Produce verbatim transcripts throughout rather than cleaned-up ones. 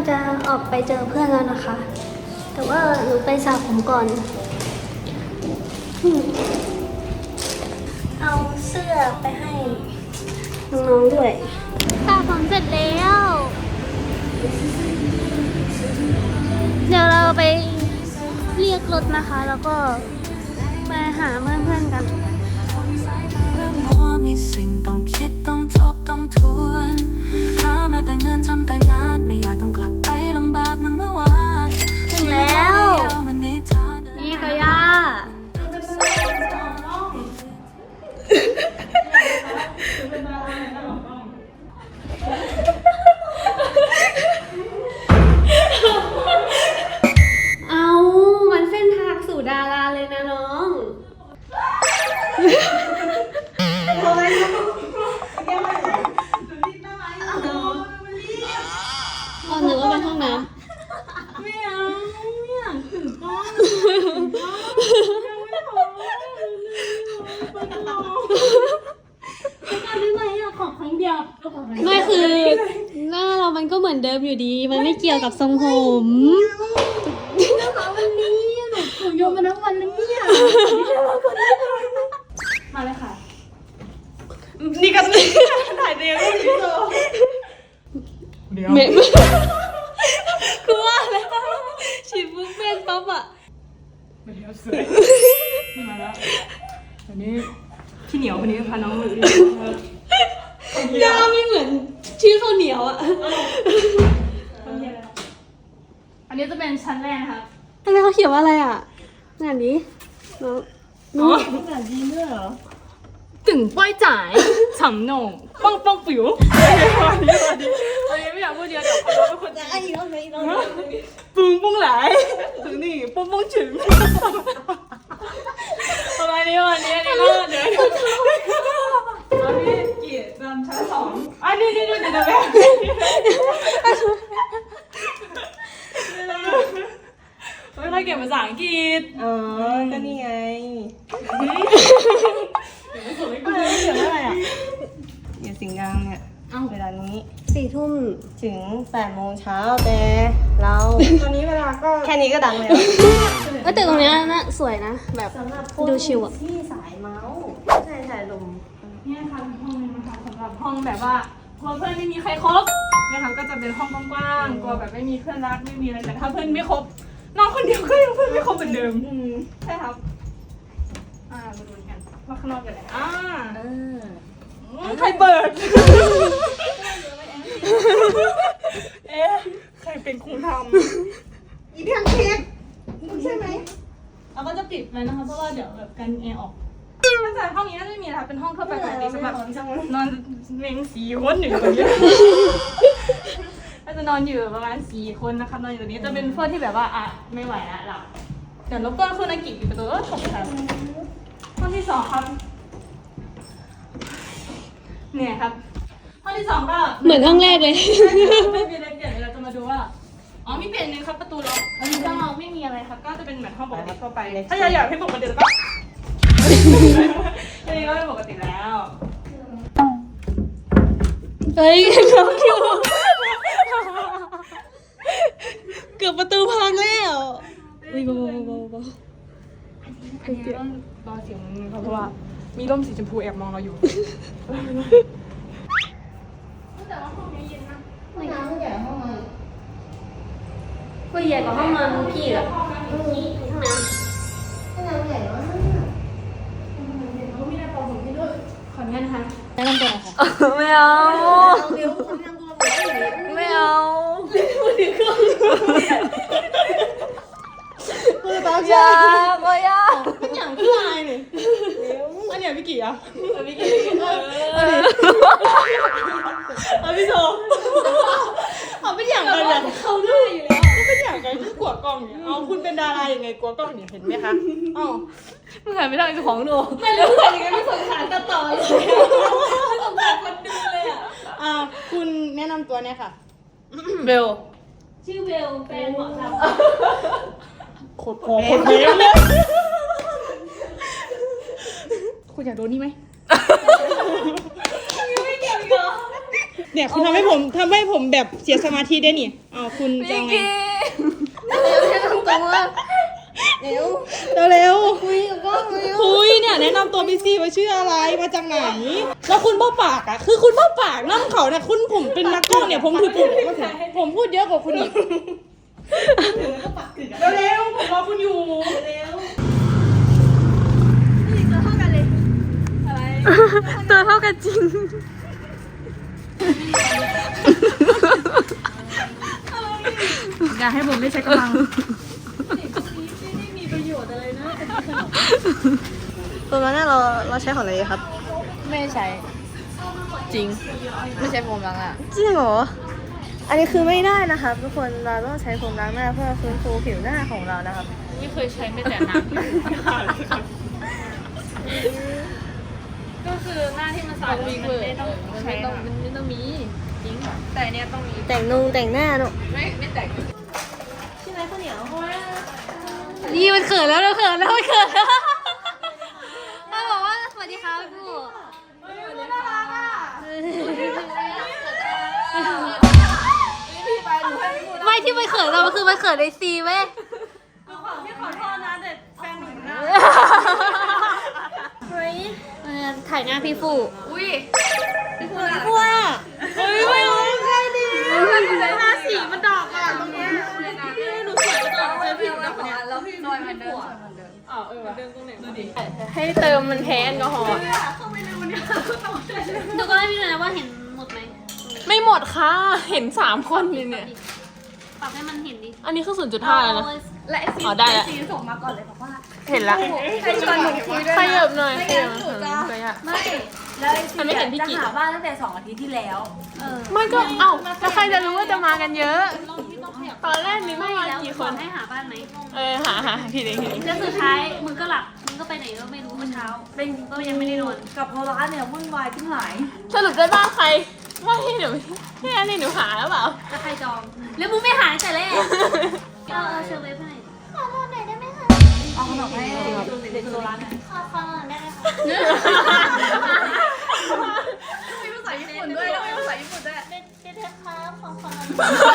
จะออกไปเจอเพื่อนแล้วนะคะ แต่ว่าหนูไปสระผมก่อนเอาเสื้อไปให้น้องๆด้วยสระผมเสร็จแล้วเดี๋ยวเราไปเรียกรถนะคะ แล้วก็ไปหาเพื่อนๆกันมีสิ่งต้องคิดต้องทบต้องทวนหามาแต่เงินทำแต่งานไม่อยากต้องกลับไปลำบากเหมือนเมื่อวานถึงแล้วนี่ก็ย่าเอามันเส้นทางสู่ดาราเลยนะน้องอ๋อนึกว่าเป็นห้องน้ำไม่เอาไม่อยากถึงกล้องยังไม่พอไม่ไหวอะขอครั้งเดียวไม่คือหน้าเรามันก็เหมือนเดิมอยู่ดีมันไม่เกี่ยวกับทรงผมนะคะวันนี้หนูถูกโยนมาทั้งวันแล้วเนี่ยมาเลยค่ะนี่ก็ถ่ายเดียวนี่โซเดี๋ยวคือว่าอะไรฉีดปุ๊บเป็นปั๊บอะมาแล้วสวยมาแล้ววันนี้พี่เหนียววันนี้พาน้องมาดูหน้าไม่เหมือนชื่อข้าวเหนียวอะอันนี้จะเป็นชั้นแรกนะคะทำไมเขาเขียนว่าอะไรอะงานนี้น้องน้องภาษาจีนด้วยเหรอตึงป้อยจ่ายฉ่ำหน่งป้องป้องปิ๋ววันนี้วันนี้วันนี้ไม่อยากพูดเยอะเดี๋ยวคนรู้เป็นคนจะไอ้อีกแล้วไงอีกแล้วปุ้งปุ้งไหลถึงนี่ปุ้งปุ้งถึงประมาณนี้วันนี้นี่ก็เดี๋ยวอันนี้กี่จำชั้นสองอันนี้นี่นี่เดี๋ยวเดี๋ยวไม่ค่อยเก่งภาษาอังกฤษอ๋อก็นี่ไงเขียนว่าอะไรอ่ะอยู่สิงห์ดังเนี่ยเวลานี้สี่ทุ่มถึงแปดโมงเช้าแต่เราตอนนี้เวลาก็แค่นี้ก็ดังแล้วเออแต่ตรงเนี้ยน่าสวยนะแบบดูชิวอ่ะที่สายเมาส์ใช่ถ่ายลมนี่ค่ะห้องนึงนะคะสำหรับห้องแบบว่ากลัวเพื่อนไม่มีใครครบนะคะก็จะเป็นห้องกว้างๆกลัวแบบไม่มีเพื่อนรักไม่มีอะไรแต่ถ้าเพื่อนไม่ครบน้องคนเดียวก็ยังเพื่อนไม่ครบเหมือนเดิมใช่ครับอ่ามาดูกันว่าข้างนอกเป็นอะไรอ่าเออใครเปิดเอ๊ะใครเป็นครูทำอีเพียงเค้กใช่ไหมเราก็จะปิดไว้นะคะเพราะว่าเดี๋ยวแบบกันแอร์ออกน่าจะห้องนี้น่าจะไม่มีนะคะเป็นห้องทั่วไปปกติสำหรับนอนเมงสี่คนหนึ่งคนนี้น่าจะนอนอยู่ประมาณสี่คนนะคะนอนอยู่ตรงนี้จะเป็นพวกที่แบบว่าอ่ะไม่ไหวละหลับเดี๋ยวรบกวนคุณอากิปิดประตูก็ถกครับห้องที่สองครับเนี่ยครับห้องที่สองก็เหมือนห้องแรกเลยไม่มีอะไรเปลี่ยนเลยเราจะมาดูว่าอ๋อมีเปลี่ยนนึงครับประตูล็อกอันนี้ก็ไม่มีอะไรครับก็จะเป็นเหมือนห้องปกติทั่วไปถ้าอยากอยากให้ปกติก็อันนี้ก็เป็นปกติแล้วเฮ้ยเขาคิวเกือบประตูพังแล้วอุ้ยเบาๆเบาๆเบาอันนี้ต้องรอเสียงนึงเพราะว่ามีร่มสีชมพูแอบมองเราอยู่แต่ว่าห้องนี้เย็นนะห้องน้ำใหญ่ห้องนอนก็ใหญ่กว่าห้องนอนพี่อะห้องน้ำห้องน้ำห้องน้ำใหญ่มากเขาไม่ได้ปอผมให้ด้วยขออนุญาตนะคะแนะนำตัวหน่อยค่ะไม่เอาเดี๋ยวคนทำตัวแบบนี้ไม่เอาคือตอนยาก็ยาเป็นอย่างพี่ลายเนี่ยอันเนี้ยพี่กี่อ่ะพี่กี่อันนี้อันพี่โซเอาเป็นอย่างกันแบบเขาหน้าอยู่แล้วก็เป็นอย่างกันคือกลัวกล้องเนี่ยเอาคุณเป็นดาราอย่างไงกลัวกล้องเนี่ยเห็นไหมคะอ๋อมึงหันไปทางเจ้าของดูไม่รู้ใครยังไงไม่สงสารตัดต่อเลยไม่สงสารคนดูเลยอ่ะอ่าคุณแนะนำตัวเนี่ยค่ะเบลชื่อเบลแฟนหมอทำโคตรพอโคตรเบลเลยคุณอยากโดนนี่ไหมยังไม่เกี่ยวอีกเหรอเนี่ยคุณทำให้ผมทำให้ผมแบบเสียสมาธิได้นี่อ้าวคุณจะเอาไงเร็วเร็วคุยกับกล้องเร็วๆคุยเนี่ยแนะนำตัวพี่ซีว่าชื่ออะไรมาจากไหนแล้วคุณบ้าปากอ่ะคือคุณบ้าปากน้ำเขาเนี่ยคุณผมเป็นนักกล้องเนี่ยผมถือผมผมพูดเยอะกว่าคุณอีกเร็วๆผมรอคุณอยู่เร็วตัวเท่ากันจริงอย่าให้ผมได้ใช้กำลังตัวนั้นเนี่ยเราเราใช้ของอะไรครับไม่ใช้ จริง ไม่ใช้โฟมล้างอ่ะจริงเหรอ อันนี้คือไม่ได้นะครับทุกคนเราต้องใช้โฟมล้างหน้าเพื่อฟื้นฟูผิวหน้าของเรานะครับไม่เคยใช้ไม่แต่น้ำก็คือหน้าที่มันสะอาดมันไม่ต้องใช้ต้องมันไม่ต้องมีจริงแต่เนี้ยต้องมีแต่งนุ่งแต่งหน้าเนอะไม่ไม่แต่งใช่ไหมข้าวเหนียวนี่มันเขินแล้วเราเขินแล้วมันเขินแล้วถ้าบอกว่าสวัสดีครับพี่ผู้ไม่ที่มันเขินเราคือมันเขินในซีเว้ยพี่ขอโทษนะเด็กแฟนหนูนะเฮ้ยถ่ายหน้าพี่ฟูอุ้ยกลัวเฮ้ยไม่รู้ใครดีหน้าสีมันดอกอ่ะตรงเนี้ยหนูสวยก่อนเจอพี่หนูนะเนี่ยแล้วพี่น้อยมันเดินอ๋อเออเดินตรงไหนดูดิให้เติมมันแทนแอลกอฮอล์ดูก็ให้พี่หน่อยนะว่าเห็นหมดไหมไม่หมดค่ะ เห็นสามคนเลยเนี่ยปรับให้มันเห็นดิอันนี้คือศูนย์จุดห้าแล้วนะและไอซีอ๋อได้แล้วซีส่งมาก่อนเลยบอกว่าเห็นละให้ชวนหนูคุยด้วยขนะยับหน่อยขยับหนูจะขยับไม่แล้วไอซีมันไม่เห็นพี่จะกิ๊กหาบ้านตั้งแต่สองอาทิตย์ที่แล้วไม่ก็เอ้าแล้วใครจะรู้ว่าจะมากันเยอะ ตอนแรกนี่ไม่มากี่คนให้หาบ้านไหมเออหาหาพี่เด็กพี่เด็กแล้วสุดท้ายมึงก็หลับ มึงก็ไปไหนก็ไม่รู้เมื่อเช้าเป็นก็ยังไม่ได้นอนกับโทรร้านเนี่ยวุ่นวายทั้งหลายสรุปได้บ้านใครว่าให้หนูให้อันนี้หนูหาหรือเปล่าก็ใครจอง แล้วมึงไม่หาตั้งแต่แรกเอาเอาเชอร์เวฟให้ขอนอนหน่อยได้ไหมคะเอาขนมให้เด็กโทรร้านหน่อยขอขอนอนได้ไหมคะมีภาษาญี่ปุ่นด้วยแล้วมีภาษาญี่ปุ่นด้วยเป็นเป็นเทปครับขอขอนอน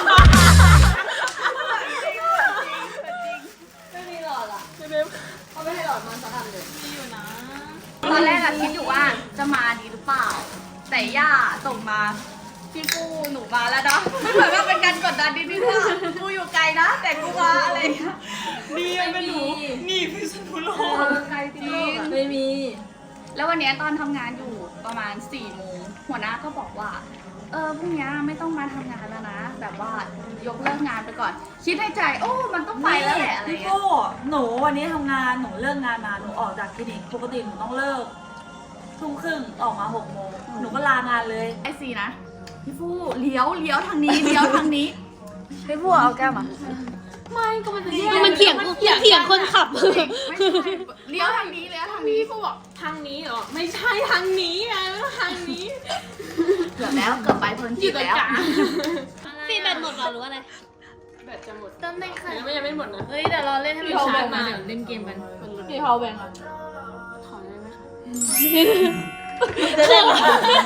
ไม่มีหลอดอ่ะเว็บเขาไม่ให้หลอดมาสักอันเลยมีอยู่นะตอนแรกอะคิดอยู่ว่าจะมาดีหรือเปล่า แต่ย่าส่งมาพี่ปูหนูมาแล้วนะไม่เหมือนว่าเป็นการกดดันนิดนึงว่ากูอยู่ไกลนะ แต่กูมาอะไรอย่างเงี้ยดีเป็นหนูนี่พี่สนุโลไกลจริงไม่มี แล้ววันเนี้ยตอนทำงานอยู่ประมาณสี่โมงหัวหน้าก็บอกว่า เออพรุ่งนี้ไม่ต้องมาทำงานแล้วนะ แบบว่ายกเลิกงานไปก่อน คิดในใจ โอ้มันต้องไปแล้วแหละอะไรพี่เงี้ยโก้หนูวันนี้ทำงานหนูเลิกงานมาหนูออกจากคลินิกปกติหนูต้องเลิกทุ่มครึ่งออกมาหกโมงหนูก็ลางานเลยไอซีนะพี่ฟูเลี้ยวเลี้ยวทางนี้เลี้ยวทางนี้พี่บัวเอาแก้มอ่ะไม่ก็มันจะมันเถียงกูเถียงคนขับไม่ใช่เลี้ยวทางนี้เลี้ยวทางนี้พี่ฟูบอกทางนี้เหรอไม่ใช่ทางนี้ไงไม่ต้องทางนี้เกือบแล้วเกือบไปเพลินจิตแล้วฟีแบตหมดเหรอหรือว่าอะไรแบตจะหมดเติมได้ค่ะยังไม่ยังไม่หมดนะเฮ้ยเดี๋ยวเราเล่นให้มันชาร์จมาเดี๋ยวเล่นเกมกันพี่เขาแบ่งอ่ะถอนได้ไหมคะจะได้ไหม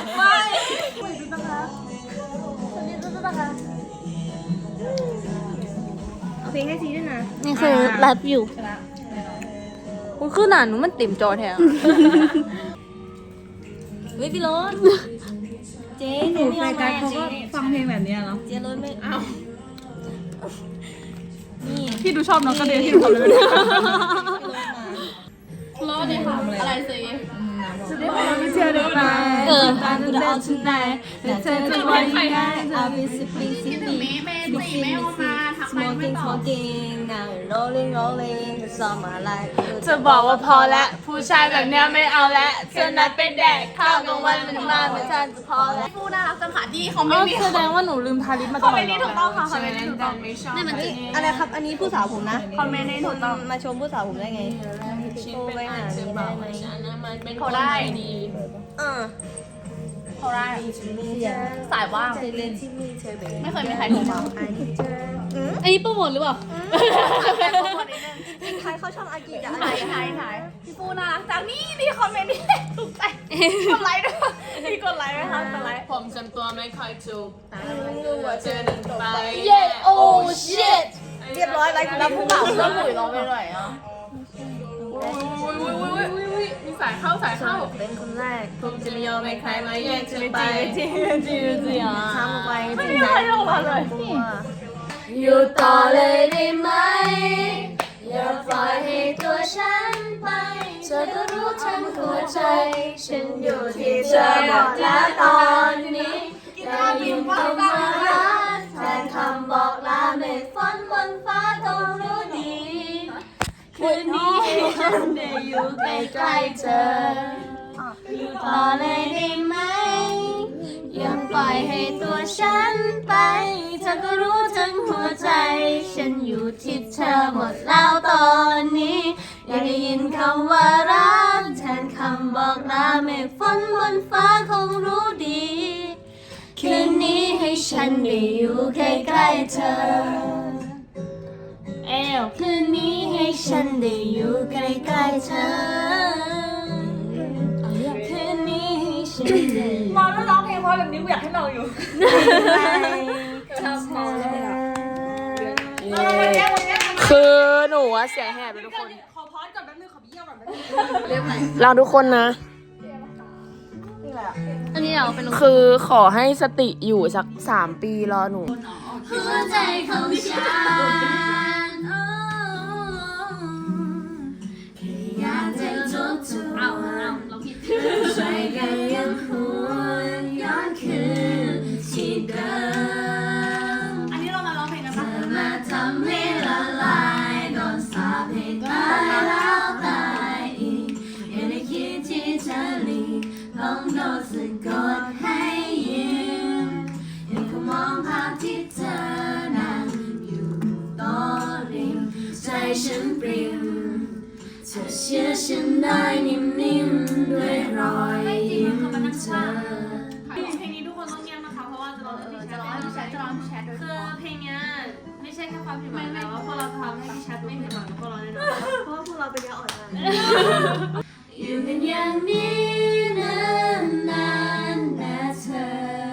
เอาเพลงให้ซีด้วยนะนี่คือไลฟ์อยู่คุณคือหนาหนูมันติ่มจอแทนเฮ้ยพี่รถเจ๊หนูรายการเขาก็ฟังเพลงแบบนี้เนาะเจ๊รถไม่เอาพี่ดูชอบน้องกระเดียที่หนูทำเลยรอดเลยค่ะอะไรสิไม่เชื่อได้ไหมเออ I'm gonna all tonight แต่เธอจะว่ายังไง I'll be sipping sipping เมย์สี่ไม่เอามาทักไปไม่ smoking ตอบ smoking now rolling rolling it's all my life จะบอกว่าพอละผู้ชายแบบเนี้ยไม่เอาละเธอนัดเป็นแดกข้าวกลางวันมันมาเหมือนฉันจะพอแล้วพูดน่ารักจังค่ะที่เขาไม่อ๋อมีแสดงว่าหนูลืมทาลิปมาตลอดคอมเมนต์นี้ถูกต้องค่ะคอมเมนต์นี้ถูกต้องนี่มันอะไรครับ อันนี้ผู้สาวผมนะคอมเมนต์นี้ถูกต้องมาชมผู้สาวผมได้ไงชิ้นเป็นอันเจ็บเบาฉันนะมันเป็นเขาได้ดีอ่าเขาได้สายว่างไม่เคยมีใครโทรมาอันนี้โปรโมทหรือเปล่าเป็นโปรโมทนิดนึงใครเข้าช่องอากิจะถ่ายถ่ายถ่ายพี่ปูน่ารักจังนี่นี่คอมเมนต์นี่ถูกใจกดไลค์ด้วยพี่กดไลค์ไหมคะกดไลค์ผมจำตัวไม่ค่อยถูกเจอหนึ่งไปเย้โอ้ชิตเรียบร้อยไลค์แล้วผู้บ่าวก็หลุยร้องไปหน่อยอ่ะมีสายเข้าสายเข้าเป็นคนแรกผมจะไม่ยอมให้ใครมาแย่งฉันไปจริงจริงจริงอ่ะทำไปจไม่ริงมีใครออกมาเลยอยู่ต่อเลยได้ไหมอย่าปล่อยให้ตัวฉันไปเธอก็รู้ทั้งหัวใจฉันอยู่ที่เธอหมดแล้วตอนนี้ได้ยินคำว่ารักแทนคำบอกลาเมฆฝนบนฟ้าต้องรู้ดีคืนนี้ให้ฉันได้อยู่ใกล้ๆเธออยู่ต่อเลยได้ไหมอย่าปล่อยให้ตัวฉันไปเธอก็รู้ทั้งหัวใจฉันอยู่ที่เธอหมดแล้วตอนนี้อยากได้ยินคำว่ารักแทนคำบอกลาเมฆฝนบนฟ้าคงรู้ดีคืนนี้ให้ฉันได้อยู่ใกล้ๆเธอเอวคืนนี้ให้ฉันได้อยู่ใกล้ๆเธอคืนนี้ให้ฉันได้มองแล้วร้องเพลงเพราะแบบนี้กูอยากให้เราอยู่ชอบมองเลยอ่ะคือหนูอะเสียงแหบเลยทุกคนขอพอดก่อนแป๊บนึงขอเบี้ยวก่อนแป๊บนึงเราทุกคนนะอันนี้เราเป็นคือขอให้สติอยู่สักสามปีรอหนูหัวใจของฉันแค่อยากจะทบทวนช่วยกันยังหวนย้อนคืนที่เดิมอันนี้เรามาร้องเพลงกันปะมาทำให้ละลายโดนสาปให้ตายแล้วตายอีกยังได้คิดที่จะหลีกต้องโดนสะกดให้ยืมยังคงมองภาพที่เธอนั่งอยู่โต๊ะริมใจฉันปริ่มเธอเชื่อฉันได้นิ่มๆด้วยรอยยิ้มเธอเพลงนี้ทุกคนต้องเงียบนะคะเพราะว่าจะร้องให้พี่แชทจะร้องให้พี่แชทจะร้องให้พี่แชทคือเพลงเนี้ยไม่ใช่แค่ความผิดหวังแต่ว่าพวกเราทำให้พี่แชทไม่ผิดหวังกับพวกเราแน่นอนเพราะว่าพวกเราเป็นยาอ่อนนะอยู่กันอย่างนี้นานนานๆนะเธอ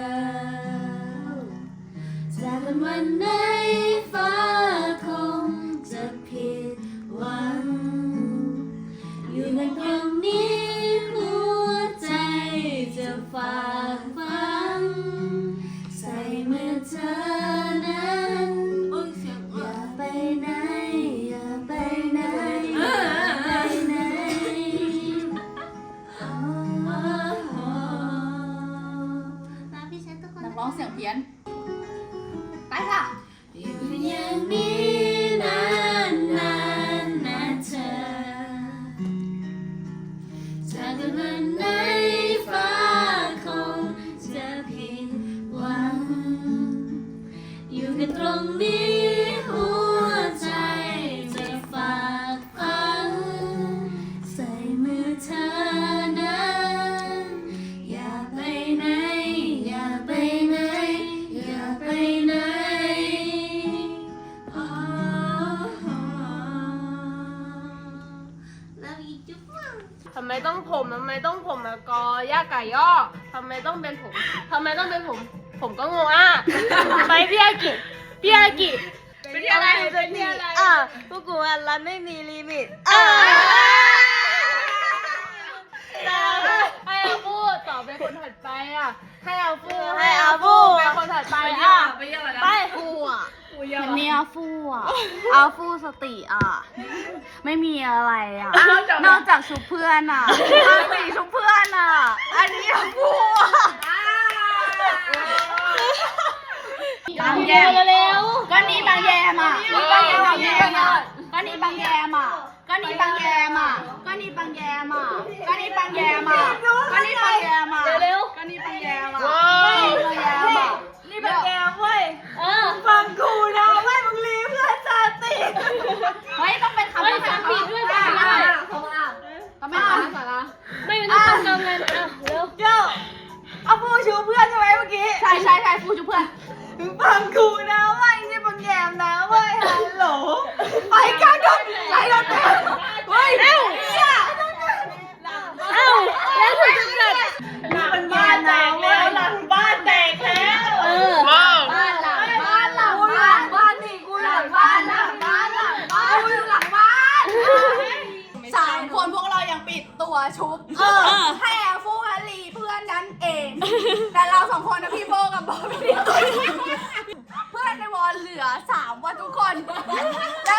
จากกันวันไหนฟ้าคงจะผิดหวังอยู่กันตรงนี้หัวใจจะฝากฝังใส่มือเธอนั้นอย่าไปไหนอย่าไปไหนอย่าไปไหนนักร้องเสียงเพี้ยน ไปค่ะอยู่อย่างนี้นานนานๆนะเธอจากกันวันไหนฟ้าคงจะผิดหวังอยู่กันตรงนี้หัวใจจะฝากฝังใส่มือเธอนั้นอย่าไปไหนอย่าไปไหนอย่าไปไหนโอ้โหแล้วอีกจุ๊บทำไมต้องผมทำไมต้องผมมากอย่าไก่ย่อทำไมต้องเป็นผมทำไมต้องเป็นผม ผมก็งงอ่ะ ไปพี่อากิพี่อากิเป็นอะไรเป็นที่อะไรอ่ะพวกกูอ่ะรันไม่มีลิมิตอ่ะให้อาฟูต่อเป็นคนถัดไปอ่ะให้อาฟูให้อาฟูเป็นคนถัดไปอ่ะไปฟูอ่ะมันมีอาฟูอ่ะ อาฟูสติอ่ะ ไม่มีอะไรอ่ะ นอกจากชุบเพื่อนอ่ะอาสีชุบเพื่อนอ่ะ อันนี้อาฟูอ่ะบางแยมเร็วก็นี่บางแยมอ่ะก็นี่บางแยมอ่ะก็นี่บางแยมอ่ะก็นี่บางแยมอ่ะก็นี่บางแยมอ่ะก็นี่บางแยมอ่ะก็นี่บางแยมอ่ะเร็วก็นี่บางแยมอ่ะก็นี่บางแยมอ่ะนี่บางแยมเว้ยฟังกูนะเว้ยมึงรีเพื่อนจะติดเฮ้ยต้องเป็นคำภาษาผิดด้วยจ้ะต้องเป็นคำภาษาไม่เป็นต้องจำเลยอ่ะเร็วเจ้าเอาฟูชูเพื่อนใช่ไหมเมื่อกี้ใช่ใช่ใช่ฟูชูเพื่อนฟังกูนะเว้ยนี่บางแยมนะเว้ยฮัลโหลไปกันกันไหลรถเฮ้ยเอ้าเอ้าแล้วถึงจะเกิดหลังบ้านแตกแล้วหลังบ้านแตกแล้วเออว้าวบ้านหลังบ้านหลังบ้านบ้านนี่กูหลังบ้านหลังบ้านหลังบ้านกูอยู่หลังบ้านสามคนพวกเรายังปิดตัวชุบเออให้แอร์ฟูฮันลีเพื่อนนั้นเอง แต่เราสองคนนะพี่โบกับบอบบี้เพื่อนในวอลเหลือสามวันทุกคนแล้ว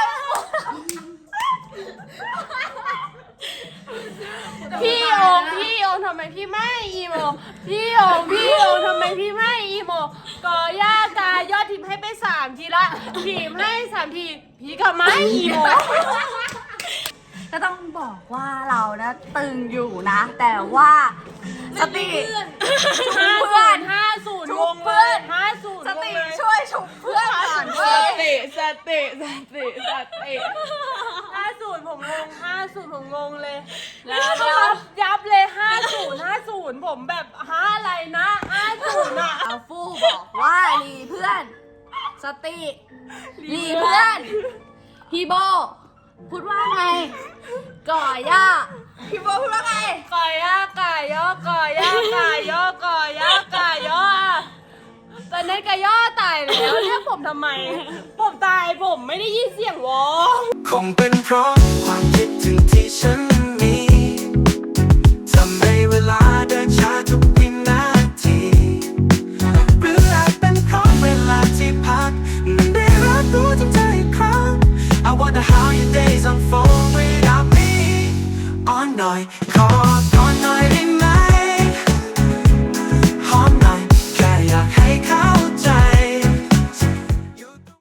พี่โอมพี่โอมทำไมพี่ไม่อีโมพี่โอมพี่โอมทำไมพี่ไม่อีโมกอย่ากายอดทีมให้ไปสามทีละทีมให้สามทีพี่ก็ไม่อีโมก็ต้องบอกว่าเรานะตึงอยู่นะ แต่ว่าสติชุบเพื่อนห้าศูนย์ชุวบงเพื่อนห้าศูนย์สติช่วยชุบเพื่อนก่อนเว้ยติสติสติสติห้าศูนย์ผมงงห้าศูนย์ผมงงเลยแล้วยับยับเลยห้าศูนย์ห้าศูนย์ผมแบบห้าอะไรนะห้าศูนย์อะเอาฟู่บอกว่ารีเพื่อน สติรีเพื่อนพี่โบพูดว่าไงก่อย่าพี่โบพูดว่าไงกอย่ากายย่อกอย่ากายย่อกอย่ากายย่อตอนนั้นกายย่อตายแล้วเรียกผมทำไม ผมตายผมไม่ได้ยินเสียงวอคงเป็นเพราะความคิดถึงที่ฉัน